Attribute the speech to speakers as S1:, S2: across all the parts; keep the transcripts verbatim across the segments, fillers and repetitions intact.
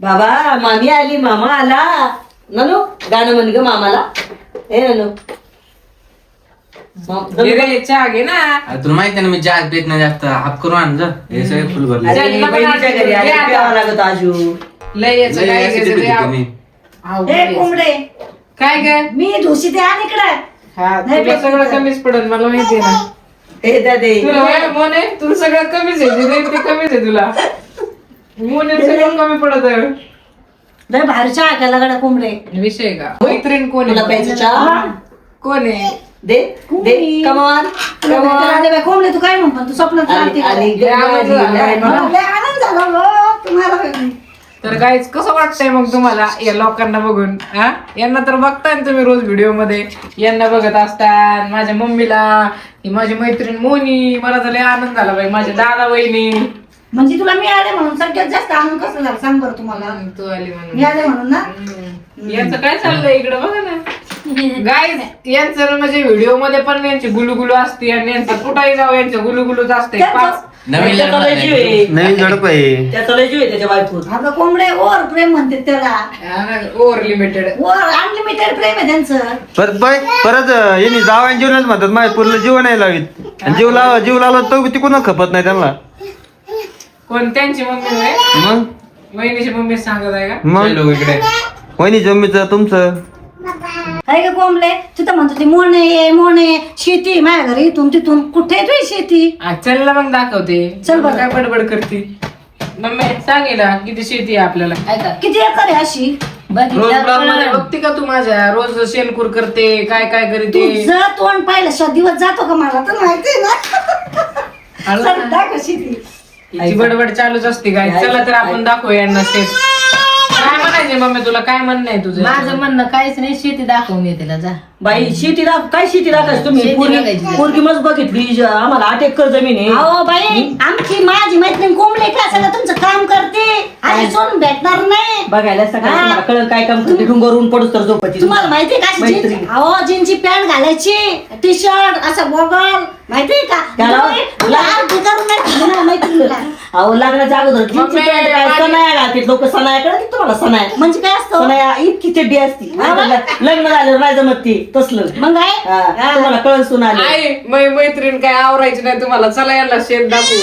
S1: बाबा मामी आली मामा आला. ननू गाणं म्हण ग मामाला. ए ननू
S2: चहा घे ना.
S3: तुला माहिती आहे ना मी चहा पित नाही जास्त. हाफ करून आण जा. हे सगळे फुल भरले.
S1: अरे बहिणीच्या घरी आली प्यावं लागत आजू.
S2: लय याचं काय घ्यायचं ते आव-
S4: हे कोंबडे
S2: काय काय
S4: मी धुशी ते आण इकडे.
S2: हा तुला सगळं कमीच पडत मला माहिती आहे ना.
S1: ए दादे
S2: तुला माहिती मोने तुला सगळं कमीच आहे जे ते कमीच आहे तुला. मोने सगळं कमी पडत आहे.
S4: लय भारी चहा केला गड्या कोंबडे.
S2: विषय का मैत्रीण कोण
S1: तुला
S2: आहे
S1: प्यायचं चहा
S2: कोण आहे
S1: दे दे कमान कमान.
S4: अरे कोंबडे तू काय म्हणतो तू स्वप्नात
S1: आली
S4: राहते
S1: आली
S2: लय आवाज
S1: आली,
S2: आला.
S1: आली.
S4: लय आनंद झाला गं तुम्हाला.
S2: तर गाईज कसं वाटतंय मग तुम्हाला या लोकांना बघून? हा यांना तर बघताय ना तुम्ही रोज व्हिडिओ मध्ये. यांना बघत असतात माझ्या मम्मीला, ही माझी मैत्रीण मोनी. मला तर लय आनंद झाला बाई. माझ्या दादा वहिनी
S4: म्हणजे तुला मिळाले म्हणून सगळ्यात जास्त आनंद कसं झाला सांग बरं तुम्हाला.
S2: तू आली म्हणून.
S4: मिळाले म्हणून ना.
S2: हम्म. यांचं काय चाललंय इकडे बघा ना गाईज. यांचं म्हणजे व्हिडिओ मध्ये पण यांची गुलुगुलू असते आणि यांचं कुठेही जाऊ यांचं गुलुगुलूच असते. पाच
S3: नवीन
S1: त्याचा लय जीव आहे.
S3: नवीन झडप आहे.
S1: त्याचा लय जीव आहे त्याच्या बायकोत.
S4: अगं कोंबडे ओव्हर प्रेम म्हणते त्याला.
S2: Over limited.
S4: ओव्हर अनलिमिटेड प्रेम आहे त्यांचं.
S5: परत बाय परत यांनी जावायन जीवनच म्हणतात माझ्या पूर्ण जीव नाही लावित. आणि जीव लाव जीव लावला तो तिकडून खपत नाही त्यांना.
S2: कोण त्यांची मम्मी होय?
S5: मग
S2: वहिनीची मम्मी सांगत आहे का?
S5: मग
S3: लोक इकडे
S5: वहिनी जम्मीचं तुमचं
S4: आहे का कोंबडे तिथं म्हणतो ते मोने मोने शेती माझ्या घरी इथून तिथून कुठे आहे तुझी शेती.
S2: आ, चल ना मग दाखवते.
S4: चल बरं.
S2: काय बडबड करते मम्मी सांगेल किती शेती आहे आपल्याला.
S4: किती एकर आहे अशी.
S2: रोज ब्लॉग मध्ये बघते का तू माझ्या? रोज शेणकूर करते काय काय करते.
S4: तुझं तोंड पाहिलं शा दिवस जातो का मला तर माहिती ना. चल दाखव शेती.
S2: हिची बडबड चालूच असते काय. चला तर आपण दाखवू यांना शेत. काय म्हणायचे मम्मी तुला? काय म्हणणं आहे तुझं?
S6: माझं म्हणणं काहीच नाही. शेती दाखवून येते जा.
S1: बाई शेती दाख काय शेती दाखायची तुम्ही?
S6: शेती
S1: पोरगी
S6: बघायची.
S1: पोरगी मस्त बघितली. ज- आम्हाला आठ एकर जमीन आहे.
S4: अहो बाई आमची माझी मैत्रीण कोंबडे का सगळं तुमचं काम करते. आणि सोन भेटणार नाही.
S1: बघायला सगळं
S4: हा.
S1: तुम्हाला कळलं काय काम करते. डोंगरवरून पडूस तर झोपायची.
S4: तुम्हाला माहितीये का अशी
S1: मैत्रीण.
S4: जीन्स- अहो जीनची पॅन्ट घालायची टी शर्ट असं बॉगल माहितीये का.
S1: त्याला-
S4: लाल करून नाही ठेवणार मैत्रिणीला.
S1: अहो लग्नाच्या अगोदर जीन्सची
S2: मम्मी,
S1: पॅन्ट काय
S2: माझी-
S1: सनाया घालते लोक. सनाया कळत तुम्हाला सनाया?
S4: म्हणजे काय असतं
S1: सनाया इतकी चड्डी असती.
S4: हा बा.
S1: लग्न झाल्यावर नाही जमत ती तसलं.
S4: मग काय
S1: हा, तुम्हाला कळून सुन आली.
S2: आई मै मैत्रीण काय आवरायची नाही तुम्हाला. चला यांना शेत दाखवू.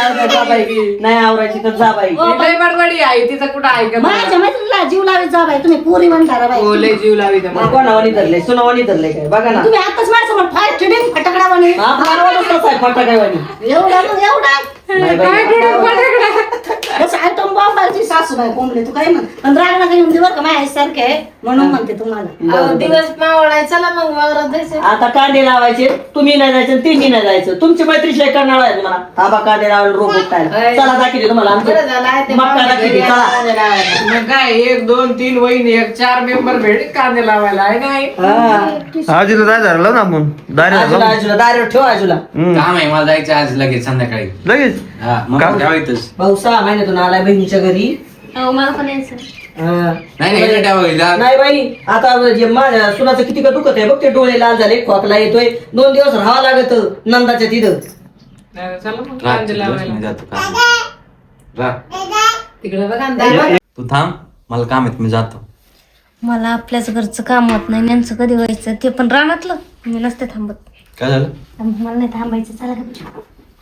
S1: नाही आवरायची तर जा बाई.
S4: हो,
S2: लय बडबडी आहे तिचं कुठं ऐकत
S4: माझ्या मैत्रिणीला जीव लावत जा बाई. तुम्ही पुरी म्हणता बाई.
S2: हो लय जीव लावी
S1: मग कोणावानी धरले सुनावानी धरले काय बघा ना.
S4: तुम्ही आताच माझ्यासमोर फार चिडीन फटाकडा बने.
S1: आपला आवाजच तसा आहे फटाकावानी.
S4: एवढा मग एवढा
S1: नाही बाई.
S4: कसं आहे तो बॉम्बाची सासूबाई कोंबडे तू काय म्हण. पण राग नका येऊन दे बरं का माझ्या सारखे आहे म्हणून म्हणते तुम्हाला.
S1: बरं, बरं.
S6: दिवस मावळाय चला मग वावरात जायचं.
S1: आता कांदे लावायचे. तुम्ही नाही जायचं तिन्ही नाही जायचं. तुमची मैत्री शिवाय करणार आहे तुम्हाला. आबा कांदे लावायला रोग उठताय. चला दाखवते तुम्हाला
S6: बरं झालं आहे
S1: आमचे
S6: ते
S1: मक्का
S6: पाहुणे
S1: दाखवते.
S6: घरी
S1: चला
S6: आले लावायला.
S2: मग काय एक दोन तीन वहिनी एक चार मेंबर भेट कांदे लावायला आहे नाही.
S1: हा.
S5: आजीला जाय धरलं ना आपण दारी
S1: आजूला आजूला दारेवर ठेव आजूला.
S3: काम आहे मला जायचं आज लगेच संध्याकाळी.
S5: लगेच
S3: हा मग
S5: काम?
S3: ठेवायचंच.
S1: भाऊ सहा महिन्यातून आलाय बहिणीच्या घरी.
S6: हो मला पण यायचं.
S1: हा.
S3: नाही नाही इकडे ठेवायचं. जा.
S1: नाही बाई आता जे माझ्या सुनाचं किती का दुखत आहे बघ. ते डोळे लाल झाले खोकला येतोय. दोन दिवस राहावं लागत नंदाच्या तिथं.
S2: नाही, चला मग
S3: राह,
S2: कांदे
S3: मी
S2: लावायला.
S3: जातो काम. राह.
S6: तिकडे बघा ना.
S3: तू थांब मला काम आहे मी जातो.
S7: मला आपल्याच घरचं काम होत नाही. यांचं कधी व्हायचं ते पण रानातलं. मी नसते थांबत.
S3: काय झालं?
S7: मला नाही थांबायचं. चला गं.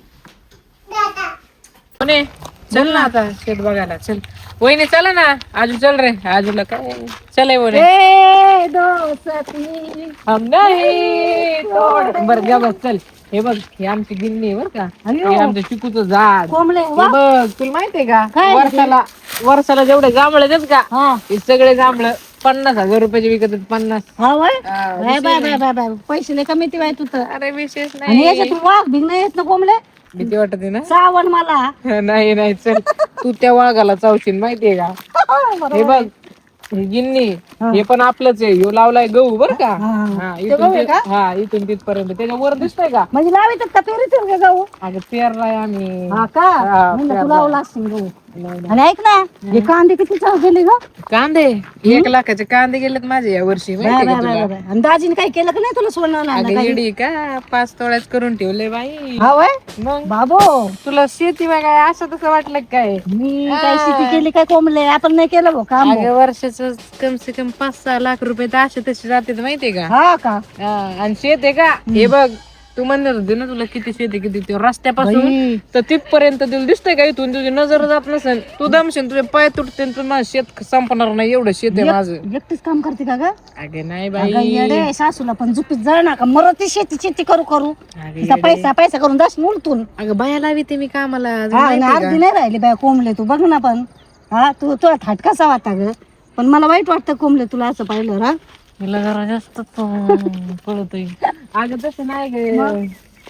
S2: कोणी चल ना आता शेत बघायला. चल वहिनी चला ना. आजू चल रे. आजूला काय चल बोले हम नाही तोड. बर घ्या बस चल. हे बघ हे आमची गिन्नी आहे बर का. हे आमचं चिकूचं झाड.
S4: कोंबडे
S2: हे बघ तुला माहितीये का वर्षाला वर्षाला जेवढे जांभळे देत का हे सगळे जांभळ पन्नास हजार रुपयाचे विकत आहेत. पन्नास.
S4: हा वय
S2: हा,
S4: bye bye bye bye bye पैसे लय कमी बाय तू तर.
S2: अरे विशेष
S4: आणि
S2: नाही.
S4: याच्यात वाघ भिंग नाही येत ना कोंबडे.
S2: भीती वाटते ना.
S4: चावण मला.
S2: नाही नाही चल तू त्या वाघाला चावशील माहितीये का. हे बघ ही गिन्नी हे पण आपलंच आहे. ह्यो लावलाय गहू बर का. हा इथून ते- हा इथून तिथपर्यंत त्याच्या वर दिसतंय का.
S4: म्हणजे लावितात का पेरीत का गहू.
S2: अगं पेरलाय आम्ही.
S4: हा का
S2: हा,
S4: म्हणलं
S2: पेरलाय.
S4: तू लावला असशील गहू. आणि ऐक ना हे कांदे किती चाव गेले ग
S2: कांदे एक लाखाचे कांदे गेलेत माझे या वर्षी
S4: बाय,
S2: माहिती
S4: बाय,
S2: का
S4: बाय,
S2: तुला?
S4: बाय. आणि दाजीने काही केलं का नाही तुला सोडणार
S2: अगं येडी का पाच तोळ्याच करून ठेवले बाई
S4: हा वय
S2: मग
S4: बाबो
S2: तुला शेती काय असं तसं वाटलं का काय
S4: मी काय शेती केली काय कोंबले आपण नाही केलं भाऊ काम भाऊ.
S2: अगं वर्षाचं कम से कम पाच सहा लाख रुपये तर असे तसे जाते माहितीये का
S4: हा का
S2: हा, आणि शेत आहे का हे बघ तू म्हणत होती ना तुला किती शेती किती ते रस्त्यापासून
S4: बाई.
S2: तर तिथपर्यंत तुला दिसतंय का इथून तुझी नजर जात नसेल तू दमशील तुझे पाय तुटते तुझं माझं शेत संपणार नाही एवढं शेत आहे माझं
S4: एकटीच काम करते का ग
S2: अगं नाही
S4: अगं
S2: बाई
S4: येडे सासूला पण झुपीत जळ नका मरती शेती शेती करू करू तिचा पैसा पैसा करून दस उलटून
S2: अगं बाया लावी ते मी कामाला
S4: हा आणि अर्धी नाही राहिली बाय कोंबले तू बघ ना पण हा तू तुला थाट कसा वाटा ग पण मला वाईट वाटतं कोंबले तुला असं पाहिलं हा
S2: तिला जरा जास्त पळत अगं तसं नाही ग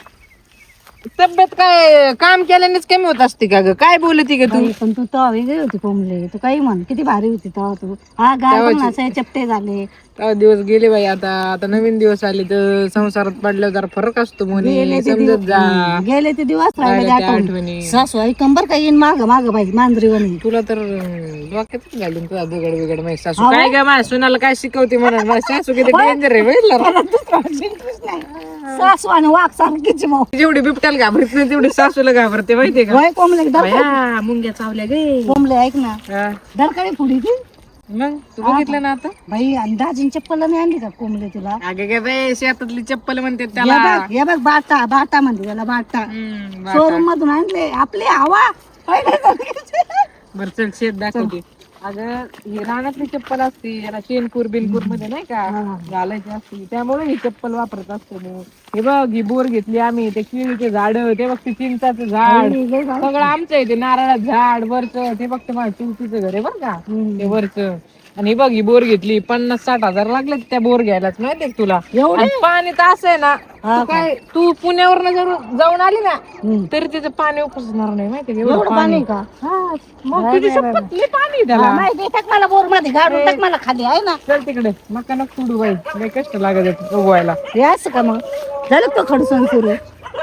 S2: तब्येत काय काम केल्यानेच कमी होत असते का ग काय बोलती का तू
S4: बाई, पण तू तेव्हा वेगळी होती कोंबले तू काही म्हण किती भारी होती तेव्हा तू हा गाय असे चपटे झाले
S2: तेव्हा दिवस गेले बाई आता आता नवीन दिवस आले तर संसारात पडल्यावर जरा फरक असतो
S4: गेले
S2: म्हणे
S4: ते
S2: समजत
S4: दिवस
S2: जा
S4: हम्म, गेले ते दिवस राहिले
S2: राहिल्या
S4: ते
S2: त्या
S4: आठवण.
S2: आठवणी.
S4: सासू आई कंबर काय येईन माग माग बाई मांजरी वणी
S2: तुला तर अं, डोक्यातच घालून तुझा बिघड बिघड माझी सासू काय काय माझ्या सुनाला काय शिकवते म्हणून माझी सासू किती डेंजर आहे बघितलं
S4: सासू आणि वाघ सारखीची भाऊ
S2: जेवढी बिबट्याला घाबरत नाही तेवढी सासूला घाबरते माहितीये का
S4: वय कोंबले
S2: बाया, मुंग्या चावल्या गे
S4: कोंबले ऐक ना
S2: हा.
S4: दरकाळी पुढी ती
S2: मग तू बघितलं ना आता
S4: बाई आणि दाजीन चप्पल नाही आणली का कोंबले तुला
S2: अगे गे बाई शेतातली चप्पल म्हणते
S4: हे
S2: त्याला
S4: बघ हे बघ बाटा बाटा म्हणते त्याला बाटा
S2: हम्म,
S4: शोरूम मधून आणले आपली हवा
S2: बरं चल शेत दाखवते अगं ही रानातली चप्पल असते याला चेनपूर बिनपूर मध्ये नाही का घालायची असते त्यामुळे ही चप्पल वापरत असतो मी हे बघ ही बोर घेतली आम्ही ते केळीचे झाड ते बघ ते चिंचाचं झाड सगळं आमचं आहे ते नारळाचं झाड वरच ते बघ माझ्या चिंचीचं घर आहे बरं का ते वरच आणि ही बघ ही बोर घेतली पन्नास साठ हजार लागले त्या बोर घ्यायलाच माहितीये का तुला आणि पाणी तर असं आहे ना तू काय तू पुण्यावर जर जाऊन आली ना तरी त्याचं पाणी उपसणार नाही माहितीये का? एवढं पाणी
S4: का
S2: हा, मग तुझी शपथ लय पाणी आहे त्याला
S4: माहिती टाक मला बोर मध्ये गाडून टाक मला खाली आहे ना
S2: चल तिकडे मका नको सोडू बाई लय कष्ट लागत आहेत उगवायला
S4: हे असं का मग झालं का खडसून सुरू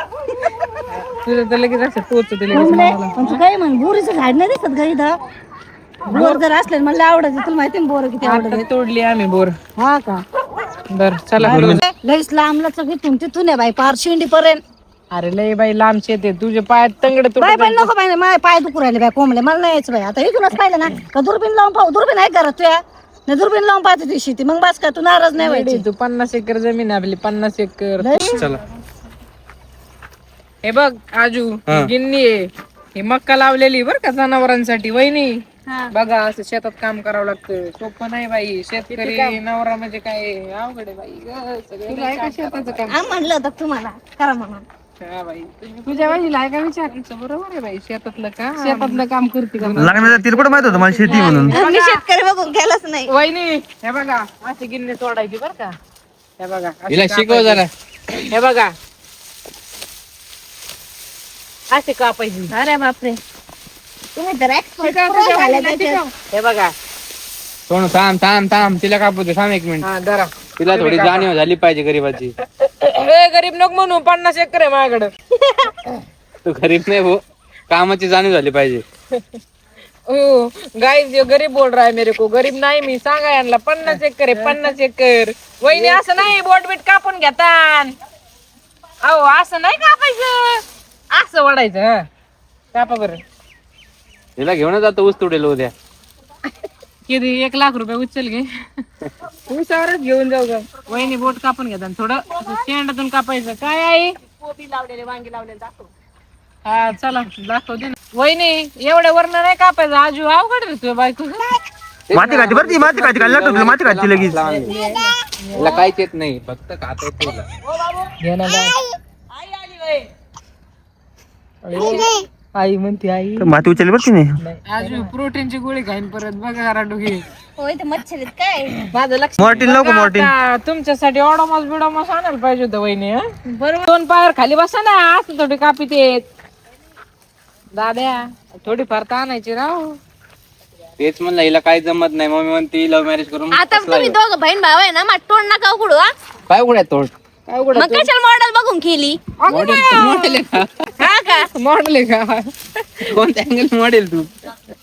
S2: तुझं तर लगेच असं टोचते लगेच
S4: कोंबले
S2: मला.
S4: पण तू काय म्हण बोरीचं झाड नाही दिसत का इथं बोर जर असले ना, मला आवडत तुला माहिती ना बोर किती आवडत
S2: आता तोडली आम्ही बोर
S4: हा का
S2: बर चला
S4: लईच लांबलाच इथून तिथून आहे बाई पार शिंडी पर्यंत
S2: अरे लय बाई लांब शेत आहे तुझे पायात तंगड
S4: बाय बाय नको बाय माझे पाय दुखू राहिले बाय कोंबले मला नाही यायचं बाई आता इथूनच पाहिलं ना का दुर्बीन लावून पाहू दुर्बीन आहे घरात तुया नाही दुर्बीन लावून पाहते ती शेती मग बस का तू नाराज नाही व्हायची
S2: तू पन्नास एकर जमीन आहे आपली पन्नास एकर
S5: चला
S2: हे बघ आजू ही गिन्नी आहे ही मक्का लावलेली बर का जनावरांसाठी वहिनी बघा असं शेतात काम करावं लागतं सोपं नाही बाई शेतकरी नवरा म्हणजे काय अवघड आहे बाई ग, सगळं लय शेताचं काम
S4: आम म्हणलं होतं तुम्हाला करा म्हणून
S2: हा बाई तुझ्या बाईला आहे का विचारायचं बरोबर आहे बाई शेतातलं का शेतातलं काम करते का
S5: लग्नाचा तिला कुठं माहित होतं मला शेती म्हणून
S4: मी शेतकरी बघून केलंच नाही
S2: वहिनी हे बघा अशी गिन्नी तोडायची बर का हे बघा अशी
S3: हिला शिकव जरा
S2: हे बघा असे कापायची
S4: अरे बापरे तुम्ही तर expert
S2: शिकव,
S4: pro
S2: शिकव,
S4: झाले
S2: शिकव.
S4: त्याच्यात.
S2: हे बघा
S3: सोनू थांब थांब थांब तिला कापू दे थांब एक मिनिट
S2: हा धरा
S3: तिला थोडी जाणीव झाली पाहिजे गरीबाची
S2: ए गरीब नको म्हणू पन्नास एकर आहे माझ्याकडे
S3: तू गरीब नाही भाऊ कामाची जाणीव झाली पाहिजे
S2: हो गाईज ये गरीब बोल रहा है मेरे को गरीब नाही मी सांगा यांना पन्नास एकर आहे पन्नास एकर वहिनी असं नाही बोट बीट कापून घेतान अहो असं नाही कापायचं असं वाढायचं हा कापा बरं
S3: तिला घेऊन जातो ऊस तोडेल उद्या
S2: किती एक लाख रुपये उचल घे उसावरच घेऊन जाऊ ग वहिनी बोट कापून घेतात थोडं असं शेंडातून कापायचं काय आहे
S1: कोबी लावलेले वांगी लावलेले दाखव
S2: हा चला दाखवते ना वहिनी एवढ्या वरण नाही कापायचं आजू अवघड रे तुझ्या बायको
S5: माती खाती बरं ती माती खाती खाली लागतो तुला माती खाती लगेच
S3: तिला काहीच येत नाही फक्त खाता येत तुला
S2: घे ना बाय.
S1: आई आली वय
S2: आई म्हणते आई
S5: माती उचलली बरं तिने
S2: आजू प्रोटीनची गोळी खाईन परत बघा जरा डोके
S4: होय ते मच्छर काय
S2: माझं लक्ष
S5: मॉर्टिन लाव का मॉर्टिन
S2: आता तुमच्यासाठी ऑडोमॉस बिडोमॉस आणायला पाहिजे होतं वहिनी बरोबर दोन पायावर खाली बसा ना असं थोडी कापीत येत दाद्या थोडी फार तर आणायची राव
S3: तेच म्हणलं हिला काही जमत नाही मम्मी म्हणते लव्ह मॅरेज करून
S7: आता तुम्ही दोघं बहीण भाऊ आहे ना मग तोंड नका उघडू हा
S3: काय उघड्या तोड
S2: काय उघडं
S7: मग कशाला मॉडेल बघून केली
S3: मॉडेल मॉडेल आहे का
S7: हा का
S2: मॉडेल आहे का
S3: कोणत्या अँगल मॉडेल तू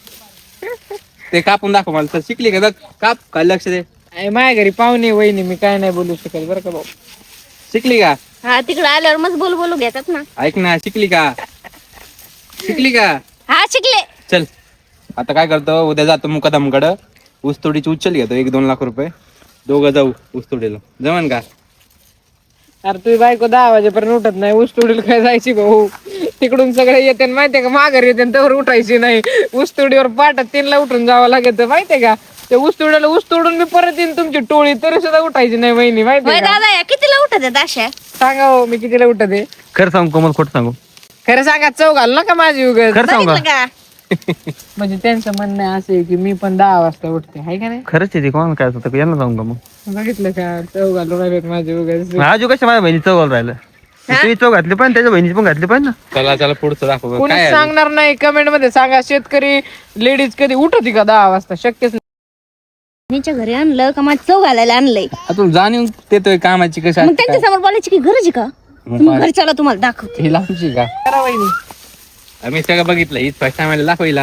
S3: ते कापून दाखव मला तर शिकली का बघ काप काय लक्ष दे
S2: अय, माझ्या घरी पाहुणे वहिनी मी काय नाही बोलू शकत बरं का भाऊ.
S3: शिकली का
S7: हा तिकडे आल्यावर मग बोलू बोलू घेतात ना.
S3: ऐक ना शिकली का शिकली का
S7: हा शिकले.
S3: चल आता काय करतो उद्या जातो मुकादमकडं ऊसतोडीची उचल घेतो एक दोन लाख रुपये दोघं जाऊ ऊसतोडीला जमन का
S2: अरे तुझी बायको दहा वाजेपर्यंत उठत नाही ऊस तोडीला काय जायची भाऊ तिकडून सगळे येते माहितीये का माघार येते त्यावर उठायची नाही ऊस तोडीवर पाठ तीनला उठून जावं लागत माहितीये का ते ऊस तोडीला ऊस तोडून मी परत येईन तुमची टोळी तरी सुद्धा उठायची नाही वहिनी माहितीये
S7: होय
S2: का
S7: दादा या कितीला उठत आहेत अशा.
S2: सांगा हो मी कितीला उठत आहे
S5: खरं सांगू कोमल खोट सांगू
S2: खरं सांगा चव घाल ना का माझी उगाच
S5: खरं सांगू
S7: बघितलं
S5: का
S7: का
S2: म्हणजे त्यांचं म्हणणं आहे असं आहे की मी पण दहा वाजता उठते हाय का नाही
S5: खरंच आहे ते कोणाला काय होतं यांना सांगू का मग
S2: बघितलं का चव घालून राहिलेत माझी उगाच
S5: आजू कशा माझ्या बहिणी चौघाला राहिलं तुम्ही चौ घातली पण त्याच्या बहिणीची पण घातली पाहिजे ना
S3: चला चला पुढचं दाखव
S2: कोणी
S3: काय आहे?
S2: सांगणार नाही कमेंट मध्ये सांगा शेतकरी लेडीज कधी उठती का दहा वाजता शक्यच नाही.
S7: मीच्या घरी आणलं का माझं चव घालायला आणलंय
S3: आ, तू जाणीव देतोय कामाची कशी
S7: मग
S3: असते
S7: त्यांच्या समोर बोलायची की गरज आहे का.
S3: मग
S7: तुम्ही घरी चला तुम्हाला दाखवते.
S3: काय? ही लांबची का
S2: करा वहिनी
S3: आम्ही सगळं बघितलं हीच फर्स्ट टाइम दाखव हिला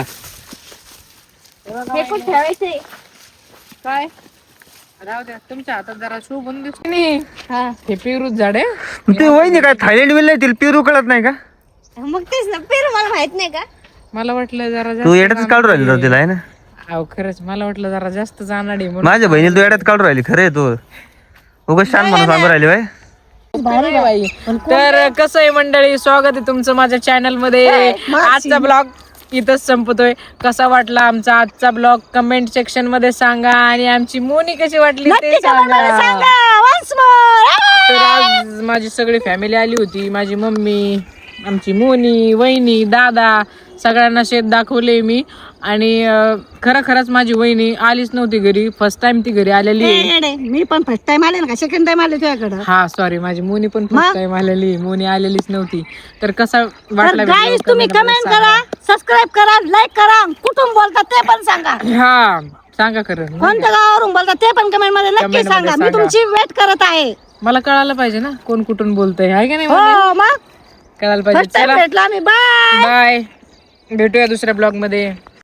S7: हे पण ठेवायचंय.
S2: काय राहू द्या तुमच्या हातात जरा शोभून दिसते नाही
S7: हा
S2: हे पेरूच झाड आहे
S5: मग ते वहिनी काय थायलंड विल तिला पिरू कळत नाही का
S7: मग तेच ना पेरू मला माहित नाही का.
S2: मला वाटलं जरा
S5: तू
S2: जास्त
S5: येड्यातच काढून राहिली राव तिला आहे ना
S2: अहो खरंच मला वाटलं जरा जास्त जाणार आहे म्हणून
S5: माझ्या बहिणीला तू येड्यात काढून राहिली खरं आहे तू उगाच शान म्हणून सांगून राहिली बाय
S2: नाही बाई. तर कसं आहे मंडळी स्वागत आहे तुमचं माझ्या चॅनल मध्ये आजचा ब्लॉग इथंच संपतोय कसा वाटला आमचा आजचा ब्लॉग कमेंट सेक्शन मध्ये सांगा आणि आमची मोनी कशी वाटली ते सांगा तर आज माझी सगळी फॅमिली आली होती माझी मम्मी आमची मोनी वहिनी दादा सगळ्यांना शेत दाखवले मी आणि अं, खरं खरंच माझी वहिनी आलीच नव्हती घरी फर्स्ट टाइम ती घरी आलेली आहे.
S4: येडे, मी पण फर्स्ट टाइम आले ना का सेकंड टाइम आले तुझ्याकडं
S2: हा सॉरी माझी मोनी पण फर्स्ट टाइम आलेली मोनी आलेलीच नव्हती तर कसा वाटला
S4: तर गाईज
S2: video
S4: तुम्ही
S2: comment मध्ये
S4: कमेंट करा सबस्क्राईब करा लाईक करा कुठून बोलता ते पण सांगा
S2: सांगा. हा सांगा खरं
S4: कोणत्या गावावरून बोलता ते पण कमेंट मध्ये नक्की
S2: Comment मध्ये
S4: सांगा मी
S2: सांगा.
S4: तुमची वेट करत आहे
S2: मला कळायला पाहिजे ना कोण कुठून बोलतंय हाय का नाही मोनी?
S4: हो मग
S2: कळायला पाहिजे
S4: फर्स्ट टाइम
S2: चला
S4: भेटला आम्ही बाय
S2: बाय भेटूया दुसऱ्या ब्लॉग मध्ये